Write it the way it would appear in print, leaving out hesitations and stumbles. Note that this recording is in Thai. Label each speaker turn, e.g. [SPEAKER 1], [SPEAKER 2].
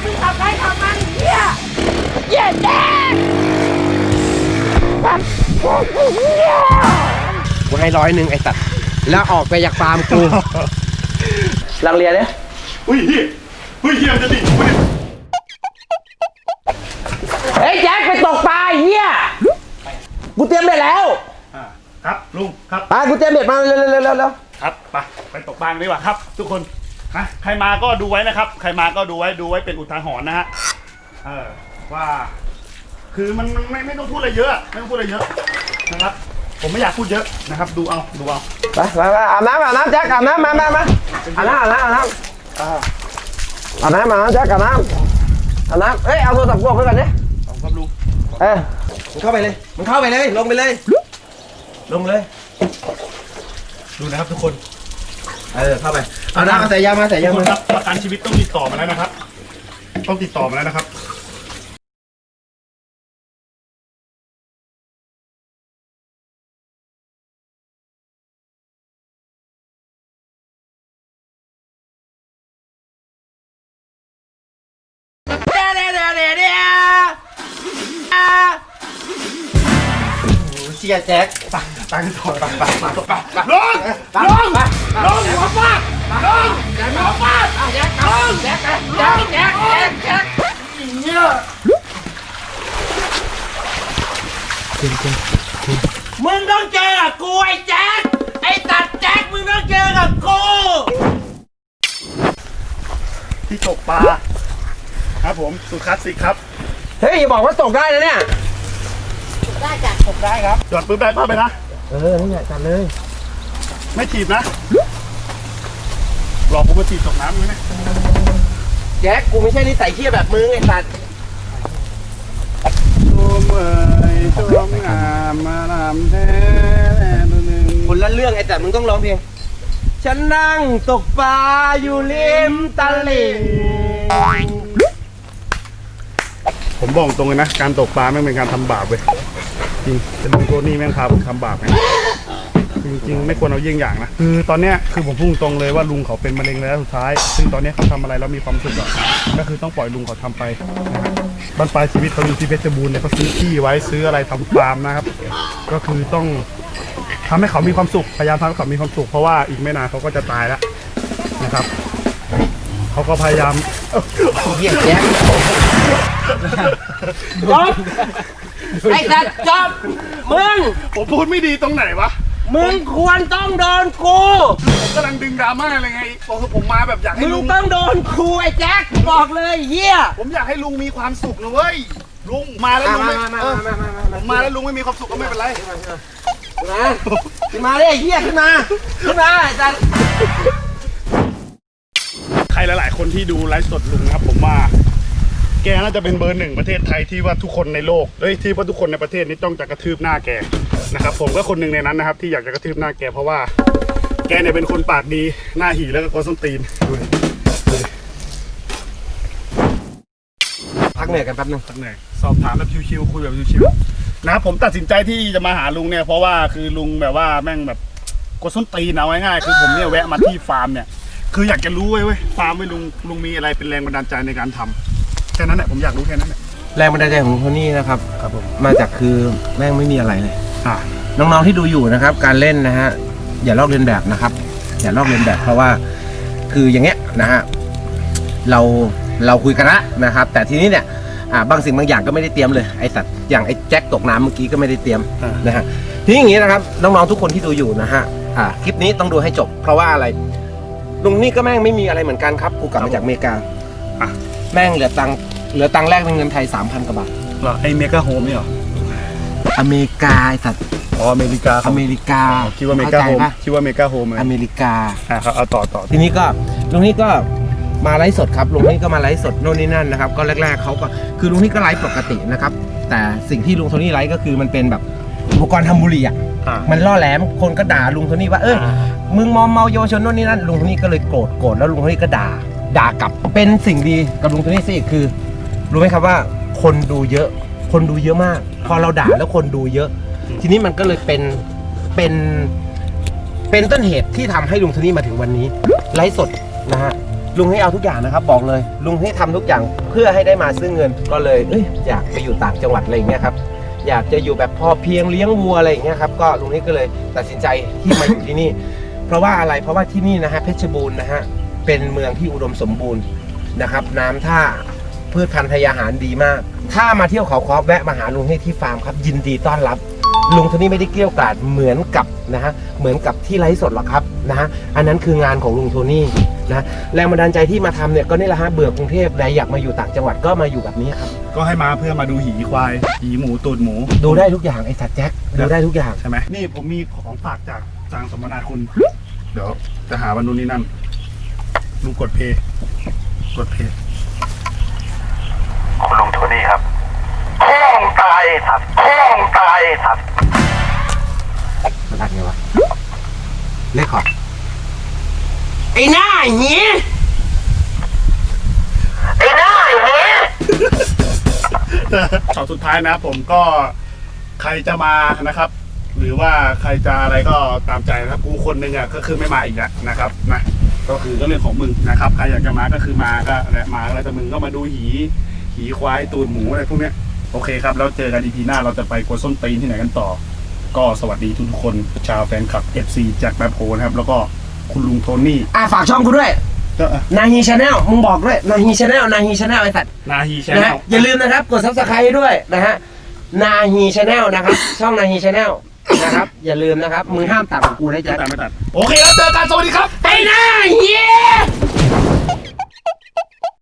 [SPEAKER 1] มึงขับไปขับมันเหี้ยแย่แย่กูให้100ไอ้สัตว์แล้วออกไปจากฟาร์มกูลังเลียเนี่ย
[SPEAKER 2] เฮ้ยเฮียจะดิ
[SPEAKER 1] เฮ้ยแจ็คไปตกปลาเฮียกูเตรียมเบ็ดแล้ว
[SPEAKER 2] ครับลุงครับ
[SPEAKER 1] ไปกูเตรียมเบ็ดมาเร็ว
[SPEAKER 2] ครับไปตกปลาดีกว่าครับทุกคนนะใครมาก็ดูไว้นะครับใครมาก็ดูไว้เป็นอุทาหรณ์นะฮะว่าคือมันไม่ต้องพูดอะไรเยอะไม่ต้องพูดอะไรเยอะนะครับผมไม่อยากพูดเยอะนะครับดูเอา
[SPEAKER 1] ไปอาบน้ำแจ็คอาบน้ำมาอาบน้ำแจ็คอาบน้ำแจ็คอาบน้ำเอ้ยเอาโทรศัพท์พวกไปก่อนดิ
[SPEAKER 2] ครับลุง
[SPEAKER 1] มึงเข้าไปเลยลงไปเลย
[SPEAKER 2] ดูนะครับทุกคน
[SPEAKER 1] เข้าไปเอาน้ำมาใส่ยามา
[SPEAKER 2] ครับประกันชีวิตต้องติดต่อมาแล้วนะครับ
[SPEAKER 1] เชียแจ็ค
[SPEAKER 2] ตั้งถอดไปลงหัวฟาดลงหัวฟาด
[SPEAKER 1] แจ็คเนี่ยมึงต้องเจอกับกูไอ้แจ็คไอ้ตัดแจ็คมึงต้องเจอกับกู
[SPEAKER 2] ที่ตกปลาครับผมสุดคลาสสิกครับ
[SPEAKER 1] เฮ้ยอย่าบอกว่าตกได้นะเนี่ย
[SPEAKER 3] ได้จ้ะ
[SPEAKER 1] ตกได้ครับ
[SPEAKER 2] จอดปืนได้ภาพไปนะ
[SPEAKER 1] นี่แหละจัดเลย
[SPEAKER 2] ไม่ถีบนะหลอกผมมาถีบตกน้ำไหม
[SPEAKER 1] แจ็คกูไม่ใช่นิสัยเหี้ยแบบมึงไอ้สัตว์
[SPEAKER 2] ชมงามมาลำแท้
[SPEAKER 1] คนละเรื่องไอ้แต่มึงต้องร้องเพลงฉันนั่งตกปลาอยู่ริมตลิ่ง
[SPEAKER 2] ผมบอกตรงเลยนะการตกปลาไม่เป็นการทำบาปเว้ยจริงเป็นลุงโทนี่แม่งพาผมทำบาปไงจริงๆไม่ควรเอาเยี่ยงอย่างนะคือตอนเนี้ยคือผมพุ่งตรงเลยว่าลุงเขาเป็นมะเร็งระยะสุดท้ายซึ่งตอนนี้เขาทำอะไรแล้วมีความสุขก็คือต้องปล่อยลุงเขาทำไปนะฮะบ้านปลายชีวิตเขาอยู่ที่เพชรบูรณ์เนี่ยเขาซื้อที่ไว้ซื้ออะไรทำฟาร์มนะครับก็คือต้องทำให้เขามีความสุขพยายามทำให้เขามีความสุขเพราะว่าอีกไม่นานเขาก็จะตายแล้วนะครับเขาก็พยายาม
[SPEAKER 1] เหี้ยแจ็คจบไอ้สัตว์จบมึง
[SPEAKER 2] ผมพูดไม่ดีตรงไหนวะ
[SPEAKER 1] มึงควรต้องโดนกู
[SPEAKER 2] ผมกำลังดึงดราม่าอะไรไงผมมาแบบอยากให้ลุง
[SPEAKER 1] ต้องโดนกูไอ้แจ็คบอกเลยเหี้ย
[SPEAKER 2] ผมอยากให้ลุงมีความสุขนะเว้ยลุงมาแล้วลุงไม่ผมมาแล้วลุงไม่มีความสุขก็ไม่เป็นไร
[SPEAKER 1] ขึ้นมาเลยเหี้ยขึ้นมาไอ้สัตว์
[SPEAKER 2] ใครหลายๆคนที่ดูไลฟ์สดลุงครับผมว่าแกน่าจะเป็นเบอร์ 1ประเทศไทยที่ว่าทุกคนในโลกที่ว่าทุกคนในประเทศนี้ต้องจะกระทืบหน้าแกนะครับผมก็คนหนึ่งในนั้นนะครับที่อยากจะกระทืบหน้าแกเพราะว่าแกเนี่ยเป็นคนปากดีหน้าหีแล้วก็โกนส้นตีน
[SPEAKER 1] พักเหนื่อยกันแป๊บนึง
[SPEAKER 2] พักเหนื่อยสอบถามแบบชิวๆคุยแบบชิวๆนะครับผมตัดสินใจที่จะมาหาลุงเนี่ยเพราะว่าคือลุงแบบว่าแม่งแบบโกนส้นตีนเอาง่ายๆคือผมเนี่ยแวะมาที่ฟาร์มเนี่ยคืออยากจะรู้เว้ยฟาร์มลุงมีอะไรเป็นแรงบันดาลใจในการทำแค่นั้นแหละผมอยากรู้แค่นั้นแหละ
[SPEAKER 1] แรงบันดาลใจของโทนี่นะครับผมมาจากคือแม่งไม่มีอะไรเลยน้องๆที่ดูอยู่นะครับการเล่นนะฮะอย่าลอกเลียนแบบนะครับอย่าลอกเลียนแบบเพราะว่าคืออย่างเงี้ยนะฮะเราคุยกันละนะครับแต่ทีนี้เนี่ยบางสิ่งบางอย่างก็ไม่ได้เตรียมเลยไอสัตว์อย่างไอแจ็คตกน้ำเมื่อกี้ก็ไม่ได้เตรียมนะฮะทีนี้อย่างงี้นะครับน้องๆทุกคนที่ดูอยู่นะฮะคลิปนี้ต้องดูให้จบเพราะว่าอะไรลุงนี่ก็แม่งไม่มีอะไรเหมือนกันครับกูกลับมาจากอเมริกาแม่งเหลือตังค์แรกเป็นเงินไทย 3,000 กว่าบาท
[SPEAKER 2] เหรอไอเมกาโฮมนี่เหรอ
[SPEAKER 1] อเมริกาไอสัตว์
[SPEAKER 2] อเมริกาคิดว่าเมกาโฮม
[SPEAKER 1] อเมริกา
[SPEAKER 2] ครับเอาต่อ
[SPEAKER 1] ทีนี้ก็ลุงนี่ก็มาไลฟ์สดครับลุงนี่ก็มาไลฟ์สดโน่นนี่นั่นนะครับก็แรกๆเขาก็คือลุงนี่ก็ไลฟ์ปกตินะครับแต่สิ่งที่ลุงโทนี่ไลฟ์ก็คือมันเป็นแบบอุปกรณ์ทำบุหรี่มันล่อแหลมคนก็ด่าลุงโทนี่ว่ามึงมอมเมาเยาวชนโน่นนี่นั่นลุงโทนี่ก็เลยโกรธแล้วลุงโทนี่ก็ด่ากลับเป็นสิ่งดีกับลุงโทนี่สิคือรู้ไหมครับว่าคนดูเยอะมากพอเราด่าแล้วคนดูเยอะทีนี้มันก็เลยเป็นต้นเหตุที่ทำให้ลุงโทนี่มาถึงวันนี้ไลฟ์สดนะฮะลุงให้เอาทุกอย่างนะครับบอกเลยลุงให้ทำทุกอย่างเพื่อให้ได้มาซึ่งเงินก็เลยอยากไปอยู่ต่างจังหวัดอะไรอย่างเงี้ยครับอยากจะอยู่แบบพอเพียงเลี้ยงวัวอะไรอย่างเงี้ยครับก็ลุงนี่ก็เลยตัดสินใจที่มาอยู่ที่นี่ เพราะว่าอะไรเพราะว่าที่นี่นะฮะเพชรบูรณ์นะฮะเป็นเมืองที่อุดมสมบูรณ์นะครับน้ำท่าพืชพันธุ์พยาหารดีมากถ้ามาเที่ยวเขาค้อแวะมาหาลุงให้ที่ฟาร์มครับยินดีต้อนรับลุงโทนี่ไม่ได้เกลี้ยกล่อมเหมือนกับนะฮะเหมือนกับที่ไลฟ์สดหรอกครับนะฮะอันนั้นคืองานของลุงโทนี่นะแรงบันดาลใจที่มาทำเนี่ยก็นี่แหละฮะเบื่อกรุงเทพและอยากมาอยู่ต่างจังหวัดก็มาอยู่แบบนี้ครับ
[SPEAKER 2] ก็ให้มาเพื่อมาดูหีควายหีหมูตูดหมู
[SPEAKER 1] ดูได้ทุกอย่างไอ้สัตว์แจ็คดูได้ทุกอย่าง
[SPEAKER 2] ใช่ไหมนี่ผมมีของฝากจากจางสมนาคุณ เดี๋ยวจะหาวันนู้นนี่นั่นลุงกดเพย์กดเพย์
[SPEAKER 4] คุณลุงโทนี่ครับพ่องตายสัตว์พ่องตายสัตว์
[SPEAKER 1] มันอัดไงวะเลขขอไอ้หน้าเหี้ย
[SPEAKER 4] ไอ้หน้าอย่างนี้
[SPEAKER 2] ช็อตสุดท้ายนะผมก็ใครจะมานะครับ หรือว่าใครจะอะไรก็ตามใจนะครับกูคนหนึงอ่ะก็คือไม่มาอีกแล้วนะครับนะก็คือก็เรื่องของมึงนะครับใครอยากจะมาก็คือมาก็แหละมาแล้วแต่มึงก็มาดูหีควายตูดหมูอะไรพวกเนี้ยโอเคครับแล้วเจอกัน EP หน้าเราจะไปกวนส้นตีนที่ไหนกันต่อ ก็สวัสดีทุกคนชาวแฟนคลับ FC จากแบปโพนะครับแล้วก็คุณลุงโทนี่
[SPEAKER 1] ฝากช่องกูด้วย
[SPEAKER 2] ก็
[SPEAKER 1] นาฮีชาแนลมึงบอกด้วยนาฮีชาแนลนาฮีชาแนลไอ้สัตว์
[SPEAKER 2] นาฮีแชน
[SPEAKER 1] นะ
[SPEAKER 2] แน
[SPEAKER 1] ฮะ
[SPEAKER 2] ล
[SPEAKER 1] อย่าลืมนะครับกด subscribe ด้วยนะฮะนาฮีชาแนลนะครับช่องนาฮีชาแนลนะครับอย่าลืมนะครับมึงห้ามตัดของกูนะจ๊ะ
[SPEAKER 2] ไม่ตัดโอเคครับเจอกันสวัสดีครับ
[SPEAKER 1] ไอ้หน้าเหี้ย